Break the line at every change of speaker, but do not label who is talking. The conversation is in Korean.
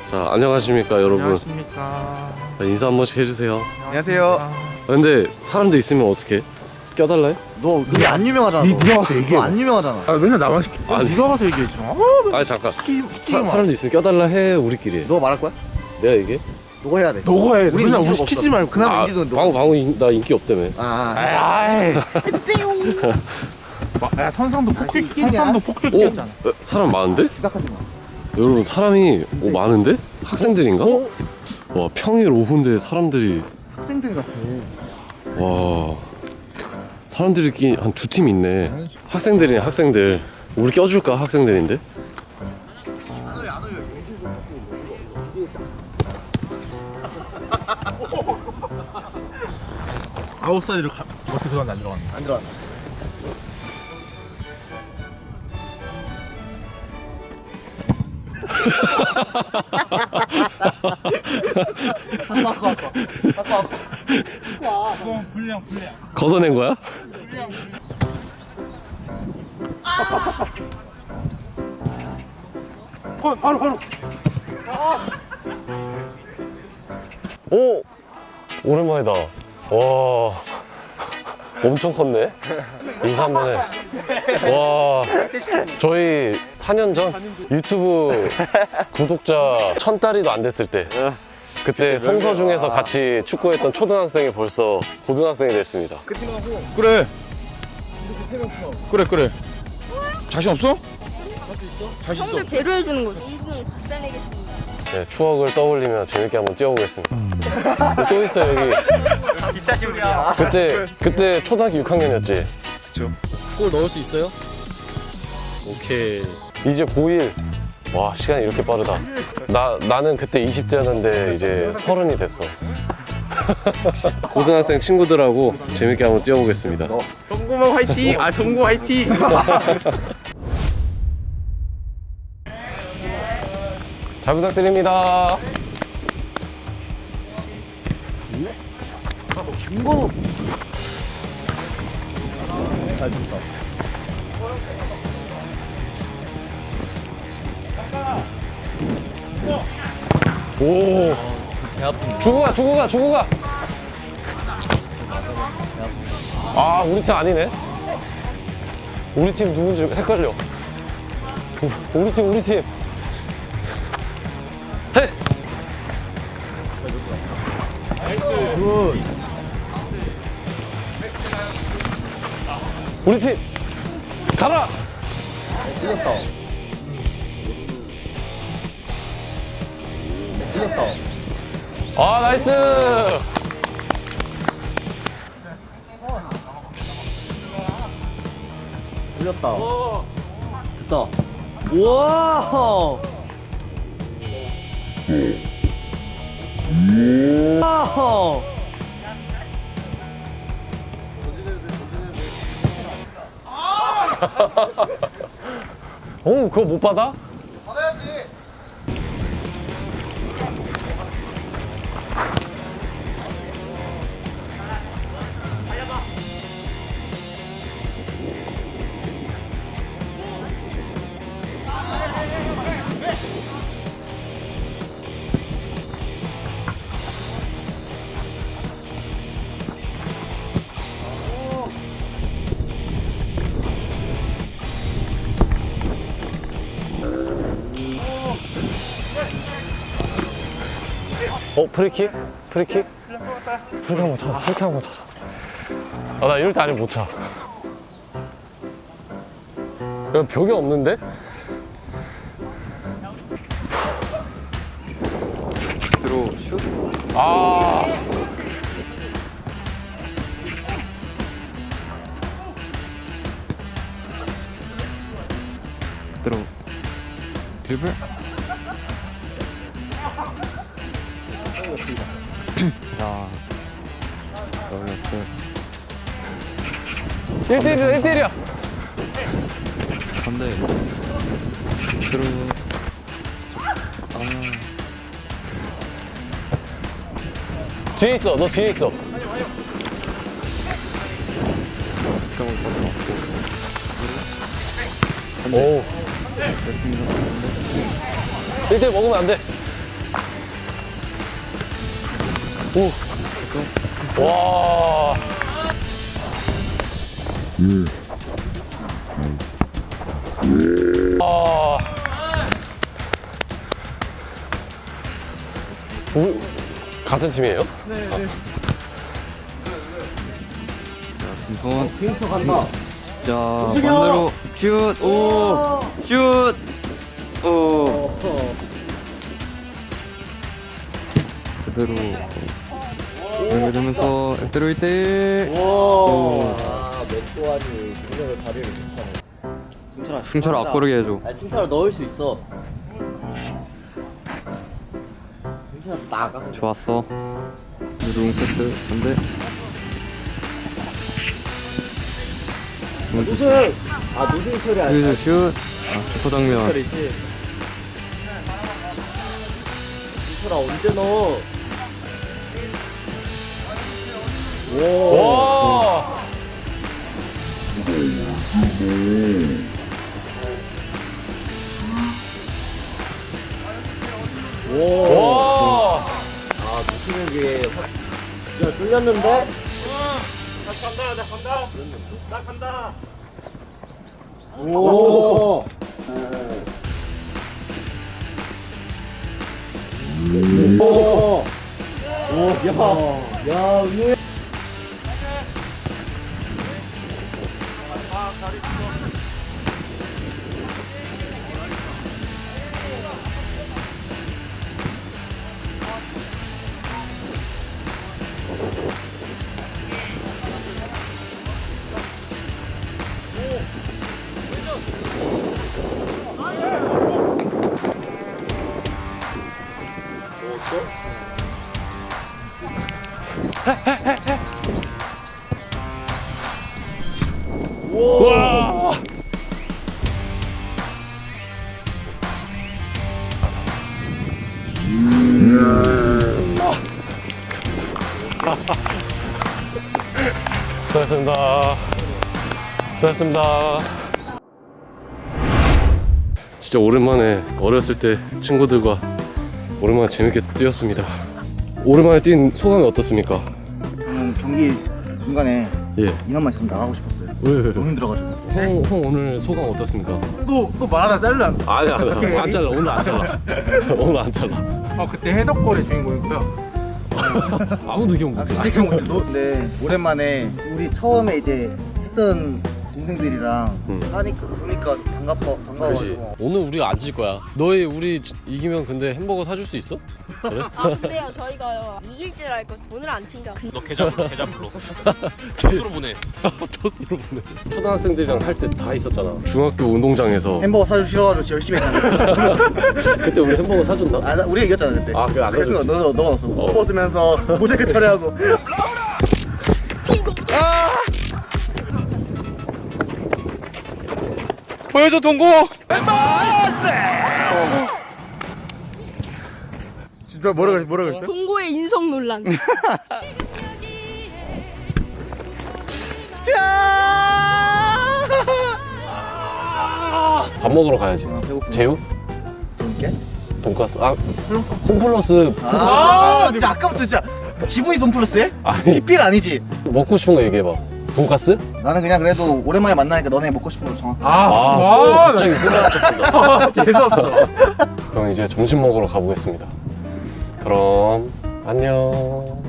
자, 안녕하십니까 여러분.
안녕하십니까.
인사 한 번씩 해주세요.
안녕하세요.
근데 사람들 있으면 어떻게 껴달라요?
너 근데 안 유명하잖아.
니 네가 가서 얘기해.
너안 유명하잖아.
아 맨날 나만 시키.
아니.
네가 가서 얘기해 줘.
아니 잠깐.
시키지 마.
사람들 있으면 껴달라 해. 우리끼리.
너 말할 거야?
내가 얘기해?
너가 해야 돼.
너가 해.
우리
맨날 우리
인지도가
시키지
없어.
말고.
그나마 인지도는 너.
방금 나 인기 없다며.
아이. 야 선상도 폭격했잖아.
사람 많은데?
시작하지 마.
여러분 사람이 많은데? 학생들인가? 와 평일 오후인데 사람들이
학생들 같아.
와 사람들이 한 두 팀 있네. 학생들이네 학생들. 우리 껴줄까 학생들인데?
아웃사이드를 어떻게 들어갔는데 안 들어갔네.
안 들어간다.
불량.
걷어낸 거야?
바로.
오! 오랜만이다. 와 엄청 컸네. 인사 한번 해. 와 저희 4년 전 유튜브 구독자 1000달이도 안 됐을 때 그때 성서중에서 같이 축구했던 초등학생이 벌써 고등학생이 됐습니다.
그래. 그래. 자신 없어? 자신 있어.
형들 배려해주는 거지. 이분 박살내겠습니다.
네, 추억을 떠올리며 재밌게 한번 뛰어보겠습니다. 또 있어 여기. 그때 초등학교 6학년이었지?
그쵸.
골 넣을 수 있어요? 오케이. 이제 고1. 와 시간이 이렇게 빠르다. 나는 그때 20대였는데 이제 30이 됐어. 고등학생 친구들하고 재밌게 한번 뛰어보겠습니다.
동구만 화이팅. 동구 화이팅.
잘 부탁드립니다.
김건우. 잘 줬다.
오. 주고 가. 아, 우리 팀 아니네. 우리 팀 누군지 헷갈려. 우리 팀. 헤.
굿.
우리 팀. 가라.
틀렸다. 틀렸다.
아, 나이스.
틀렸다. 됐다. 우와. 우와.
그거 못 받아?
받아야지.
프리킥 한번 차. 아, 나 이럴 때 아니면 못 차. 야, 벽이 없는데?
들어 슛.
아.
들어. 드리블. 야. 어렵어.
1대1이야.
근데 들어.
뒤에 있어. 너 뒤에 있어. 오. 1대1 먹으면 안 돼. 오. 와. 아. 같은 팀이에요?
김성원.
빙수 간다.
자, 반대로 슛. 오. 슛. 오. 그대로 연결되면서 액대로 1대1. 오.
맷도하니 능력을 발휘를 못하네.
승철아 앞구르게 해줘.
아, 승차로 넣을 수 있어. 승차로 나가.
좋았어. 롱 패스 반대.
노승! 아, 노승 처리 아니야.
여기서 슛. 아, 슈퍼 장면.
처리지. 승철아 언제 넣어?
와. 와.
아, 노승은 게 야, 뚫렸는데?
나 간다.
오. 오. 오. 야, 은우.
와. 수고하셨습니다. 수고하셨습니다. 진짜 오랜만에 어렸을 때 친구들과 오랜만에 재밌게 뛰었습니다. 오랜만에 뛴 소감이 어떻습니까?
경기 중간에
예.
인원만 있으면 나가고 싶었어요.
왜?
너무 힘들어가지고.
형 오늘 소감 어떻습니까?
또 말하다 잘라.
아니 안 잘라. 오늘 안 잘라. 오늘 안 잘라.
그때 해덕골의 주인공이고요.
아무도 기억 못해.
근데 오랜만에 우리 처음에 이제 했던 동생들이랑 하니까 보니까
그렇지.
반가워가지고.
오늘 우리 안 질 거야. 너희 우리 이기면 근데 햄버거 사줄 수 있어? 그래?
아 근데요 저희가요 이길 줄 알고 오늘 안 챙겨.
너 계좌 불러. 토스로 보내.
토스로 보내. 초등학생들이랑 할 때 다 있었잖아. 중학교 운동장에서
햄버거 사주기 싫어가지고 열심히 했잖아.
그때 우리 햄버거 사줬나?
아, 우리가 이겼잖아 그때.
아, 그래, 안
그래서
사줬지.
너 넣었어. 벗으면서 모자이크 처리하고.
보여줘 동고. 진짜 뭐라 그랬어?
동고의 인성 논란.
밥 먹으러 가야지.
배고프네.
제육?
돈가스?
돈가스? 아 홈플러스
아, 진짜 아까부터 진짜 지분이 홈플러스해?
아니
PPL 아니지?
먹고 싶은 거 얘기해봐. 돈가스?
나는 그냥 그래도 오랜만에 만나니까 너네 먹고 싶은 거 정하.
또 갑자기 혼자 쳤다.
재수없어.
그럼 이제 점심 먹으러 가보겠습니다. 그럼 안녕.